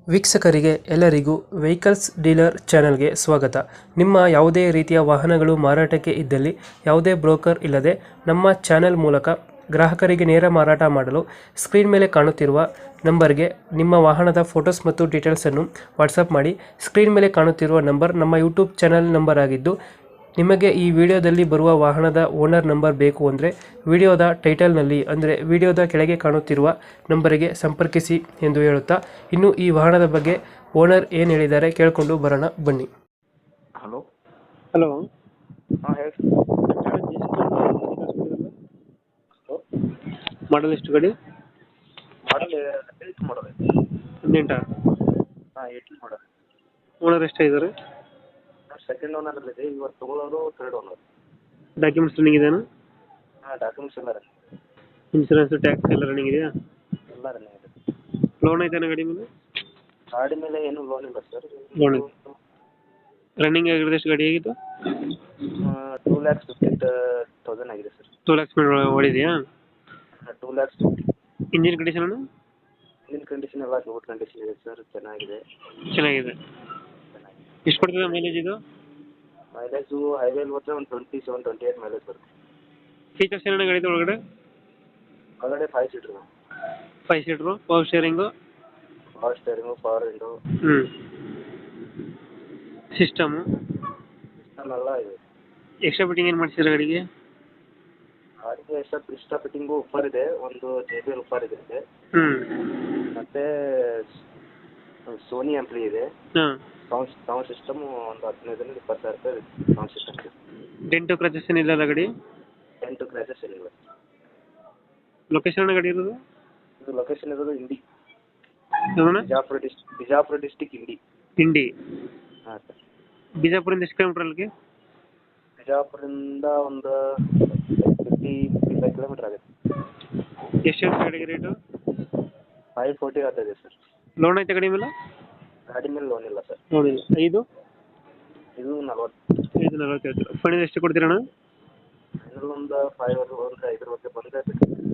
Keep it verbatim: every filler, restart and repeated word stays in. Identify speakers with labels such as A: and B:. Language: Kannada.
A: ವೀಕ್ಷಕರಿಗೆ ಎಲ್ಲರಿಗೂ ವೆಹಿಕಲ್ಸ್ ಡೀಲರ್ ಚಾನೆಲ್ಗೆ ಸ್ವಾಗತ. ನಿಮ್ಮ ಯಾವುದೇ ರೀತಿಯ ವಾಹನಗಳು ಮಾರಾಟಕ್ಕೆ ಇದ್ದಲ್ಲಿ ಯಾವುದೇ ಬ್ರೋಕರ್ ಇಲ್ಲದೆ ನಮ್ಮ ಚಾನೆಲ್ ಮೂಲಕ ಗ್ರಾಹಕರಿಗೆ ನೇರ ಮಾರಾಟ ಮಾಡಲು ಸ್ಕ್ರೀನ್ ಮೇಲೆ ಕಾಣುತ್ತಿರುವ ನಂಬರ್ಗೆ ನಿಮ್ಮ ವಾಹನದ ಫೋಟೋಸ್ ಮತ್ತು ಡೀಟೇಲ್ಸನ್ನು ವಾಟ್ಸಪ್ ಮಾಡಿ. ಸ್ಕ್ರೀನ್ ಮೇಲೆ ಕಾಣುತ್ತಿರುವ ನಂಬರ್ ನಮ್ಮ ಯೂಟ್ಯೂಬ್ ಚಾನೆಲ್ ನಂಬರ್ ಆಗಿದ್ದು, ನಿಮಗೆ ಈ ವಿಡಿಯೋದಲ್ಲಿ ಬರುವ ವಾಹನದ ಓನರ್ ನಂಬರ್ ಬೇಕು ಅಂದರೆ ವಿಡಿಯೋದ ಟೈಟಲ್ನಲ್ಲಿ ಅಂದರೆ ವಿಡಿಯೋದ ಕೆಳಗೆ ಕಾಣುತ್ತಿರುವ ನಂಬರಿಗೆ ಸಂಪರ್ಕಿಸಿ ಎಂದು ಹೇಳುತ್ತಾ, ಇನ್ನು ಈ ವಾಹನದ ಬಗ್ಗೆ ಓನರ್ ಏನು ಹೇಳಿದ್ದಾರೆ ಕೇಳಿಕೊಂಡು ಬರೋಣ ಬನ್ನಿ.
B: ಹಲೋ
A: ಹಲೋ,
B: ಹಾಂ ಹೇಳಿ ಹಲೋ
A: ಮಾಡಲ್ ಎಷ್ಟು ಗಾಡಿ?
B: ಮಾಡಲ್ ಏಯ್ಟ್ ಮಾಡಲ್
A: ಹದಿನೆಂಟ.
B: ಹಾಂ ಏಯ್ಟೀನ್ ಮಾಡಲ್.
A: ಓನರ್ ಎಷ್ಟಾಗಿದ್ದಾರೆ?
B: ಸೆಕೆಂಡ್ ಓನರ್ ಇದೆ, ಇವತ್ತು ತೊಗೊಳೋರು ಥರ್ಡ್ ಓನರ್.
A: ಡಾಕ್ಯುಮೆಂಟ್ಸ್ ರನ್ನಿಂಗ್ ಇದೆಯಾ?
B: ಹಾಂ ಡಾಕ್ಯುಮೆಂಟ್ಸ್ ಎಲ್ಲ ರನ್ನಿಂಗ್,
A: ಇನ್ಸೂರೆನ್ಸ್ ಟ್ಯಾಕ್ಸ್ ಎಲ್ಲ ರನ್ನಿಂಗ್ ಇದೆಯಾ?
B: ಎಲ್ಲ ರನ್ನಿಂಗ್ ಇದೆ.
A: ಲೋನ್ ಐತಾನ ಗಾಡಿ ಮೇಲೆ?
B: ಗಾಡಿ ಮೇಲೆ ಏನೂ ಲೋನ್ ಇಲ್ಲ ಸರ್.
A: ಲೋನ್ ಇದೆ. ರನ್ನಿಂಗ್ ಆಗಿರೋದು ಎಷ್ಟು ಗಾಡಿ ಆಗಿತ್ತು?
B: ಟೂ ಲ್ಯಾಕ್ಸ್ ಫಿಫ್ಟಿ ತೌಸಂಡ್ ಆಗಿದೆ ಸರ್.
A: ಟೂ ಲ್ಯಾಕ್ಸ್ ಮೇಲೆ ಓಡಿದೆಯಾ?
B: Two lakhs fifty.
A: Engine condition ಅಣ್ಣ?
B: ಇಂಜಿನ್ ಕಂಡೀಷನ್ ಎಲ್ಲ ಗುಡ್ ಕಂಡೀಷನ್ ಇದೆ ಸರ್, ಚೆನ್ನಾಗಿದೆ.
A: ಚೆನ್ನಾಗಿದೆ.
B: ಚೆನ್ನಾಗಿದೆ.
A: ಎಷ್ಟು ಕೊಡ್ತದೆ ಮೈಲೇಜ್ ಇದು?
B: ಮೈಲೇಜು ಹೈವೇಲಿ ಹೋದರೆ ಒಂದು twenty seven twenty eight mileage ಬರುತ್ತೆ.
A: ಫೀಚರ್ಸ್ ಏನೇನು ಗಾಡಿ ಒಳಗಡೆ?
B: ಒಳಗಡೆ five seater,
A: five seater, power steering,
B: power steering, power window,
A: ಹ್ಞೂ ಸಿಸ್ಟಮು
B: ಸಿಸ್ಟಮ್ ಎಲ್ಲ ಇದೆ.
A: ಎಕ್ಸ್ಟ್ರಾ ಫಿಟ್ಟಿಂಗ್ ಏನು ಮಾಡಿಸಿದ್ರೆ ಗಾಡಿಗೆ?
B: ಗಾಡಿಗೆ ಎಕ್ಸ್ಟ್ರಾ ಎಕ್ಸ್ಟ್ರಾ ಫಿಟ್ಟಿಂಗು ಉಪ್ಪರ್ ಇದೆ, ಒಂದು ಜೆ ಬಿ ಎಲ್ ಉಪ್ಪರ್ ಇದೆ,
A: ಹ್ಞೂ
B: ಮತ್ತು ಸೋನಿ ಆಂಪ್ಲಿ ಇದೆ.
A: ಹಾಂ.
B: ಸೌಂಡ್ ಸೌಂಡ್ ಸಿಸ್ಟಮು ಒಂದು ಹದಿನೈದರಿಂದ ಇಪ್ಪತ್ತು ಸಾವಿರ ರೂಪಾಯಿ ಸೌಂಡ್ ಸಿಸ್ಟಮ್ ಇದೆ.
A: ಡೆಂಟು ಕ್ರಚಸ್ ಏನಿಲ್ಲ ಗಾಡಿ?
B: ಎಂಟು ಕ್ರ್ಯಾಚಸ್ ಏನಿಲ್ಲ.
A: ಲೊಕೇಶನ್ ಗಾಡಿ ಇರೋದು?
B: ಇದು ಲೊಕೇಶನ್ ಇರೋದು ಇಂಡಿ,
A: ಯಾವಣ್ಣ?
B: ಬಿಜಾಪುರ ಡಿಸ್ ಬಿಜಾಪುರ ಡಿಸ್ಟಿಕ್ ಇಂಡಿ.
A: ಇಂಡಿ.
B: ಹಾಂ ಸರ್.
A: ಬಿಜಾಪುರಿಂದ ಎಷ್ಟು ಕಿಲೋಮೀಟ್ರ್ ಅಲ್ಲಿಗೆ?
B: ಬಿಜಾಪುರದಿಂದ ಒಂದು ಫಿಫ್ಟಿ ಫಿಫ್ಟಿ ಫೈವ್ ಕಿಲೋಮೀಟ್ರ್ ಆಗುತ್ತೆ.
A: ಎಷ್ಟು ಹೇಳ್ತೀವಿ ಗಾಡಿಗೆ ರೇಟು?
B: ಫೈವ್ ಫೋರ್ಟಿ ಆಗ್ತಾಯಿದೆ ಸರ್.
A: ಲೋನ್ ಐತೆ ಗಾಡಿ ಮೇಲೆ?
B: ಗಾಡಿ ಮೇಲೆ ಲೋನ್ ಇಲ್ಲ ಸರ್.
A: ಲೋನ್ ಇಲ್ಲ. ಐದು
B: ಇದು ನಲ್ವತ್ತು.
A: ಐದು ನಲ್ವತ್ತು ಹೇಳ್ತೀರ. ಫೈನಲ್ ಎಷ್ಟು ಕೊಡ್ತೀರಣ್ಣ?
B: ಫೈನಲ್ ಒಂದು ಫೈವ್ ಒಂದು ಐದರವರೆಗೆ ಬಂದರೆ